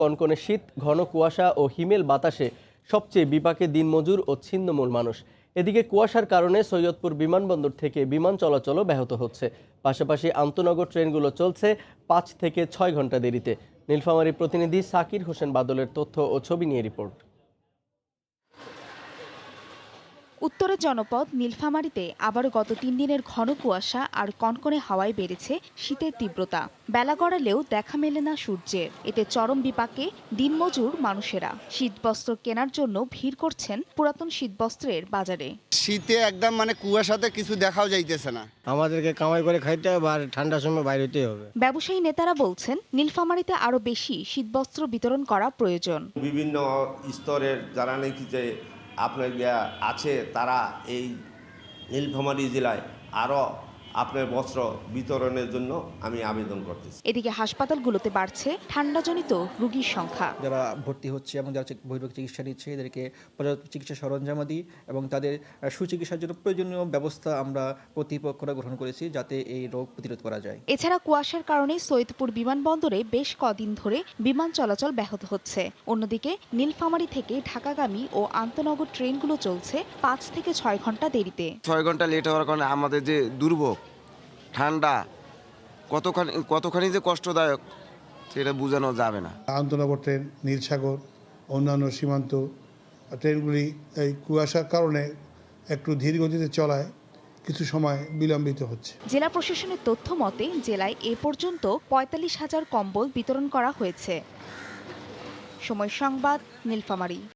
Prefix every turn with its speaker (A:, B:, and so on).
A: কনকনে শীত, ঘন কুয়াশা ও হিমেল বাতাসে সবচেয়ে বিপাকে দিনমজুর ও ছিন্নমূল মানুষ। এদিকে কুয়াশার কারণে সৈয়দপুর বিমানবন্দর থেকে বিমান চলাচলও ব্যাহত হচ্ছে। পাশাপাশি আন্তনগর ট্রেনগুলো চলছে ৫ থেকে ৬ ঘন্টা দেরিতে। নীলফামারী প্রতিনিধি সাকির হোসেন বাদলের তথ্য ও ছবি নিয়ে রিপোর্ট।
B: উত্তরের জনপদ নীলফামারীতে আবারও গত ৩ দিনের ঘন কুয়াশা আর কনকনে হাওয়ায় বেড়েছে শীতের তীব্রতা। বেলা গড়ালেও দেখা মেলে না সূর্যের। এতে চরম বিপাকে দিনমজুর মানুষেরা শীতবস্ত্র কেনার জন্য ভিড় করছেন পুরাতন শীতবস্ত্রের বাজারে।
C: শীতে একদম কুয়াশাতে কিছু দেখাও যাইতেছে না।
D: আমাদেরকে কামাই করে খাইতে হবে আর ঠান্ডার সময় বাইরে হতেই হবে।
B: ব্যবসায়ী নেতারা বলছেন নীলফামারীতে আরও বেশি শীতবস্ত্র বিতরণ করা প্রয়োজন।
E: বিভিন্ন স্তরের যারা নাকি যে আপনার আছে তারা এই নীলফামারী জেলায় আরও আপনার বস্ত্র বিতরণের জন্য আমি আবেদন করতেছি।
B: এদিকে হাসপাতালগুলোতে বাড়ছে ঠান্ডাজনিত রোগীর সংখ্যা।
F: যারা ভর্তি হচ্ছে এবং যারা বহির্ভূত চিকিৎসা নিচ্ছে এদেরকে পর্যাপ্ত চিকিৎসা সরঞ্জামাদি এবং তাদের সুচিকিৎসার জন্য প্রয়োজনীয় ব্যবস্থা আমরা কর্তৃপক্ষরা গ্রহণ করেছি যাতে এই রোগ প্রতিরোধ করা যায়।
B: এছাড়া কুয়াশার কারণে সৈয়দপুর বিমানবন্দরে বেশ কদিন ধরে বিমান চলাচল ব্যাহত হচ্ছে। অন্যদিকে নীলফামারী থেকে ঢাকাগামী ও আন্তনগর ট্রেনগুলো চলছে ৫ থেকে ৬ ঘন্টা দেরিতে।
G: ৬ ঘন্টা লেট হওয়ার কারণে আমাদের যে দুর্ভোগ ঠান্ডা কতখানি যে কষ্টদায়ক সেটা বোঝানো যাবে না।
H: আন্তনগর ট্রেন, নীলসাগর, অন্যান্য সীমান্ত ট্রেনগুলি এই কুয়াশার কারণে একটু ধীর গতিতে চলায় কিছু সময় বিলম্বিত হচ্ছে।
B: জেলা প্রশাসনের তথ্য মতে জেলায় এ পর্যন্ত ৪৫,০০০ কম্বল বিতরণ করা হয়েছে। সময় সংবাদ, নীলফামারী।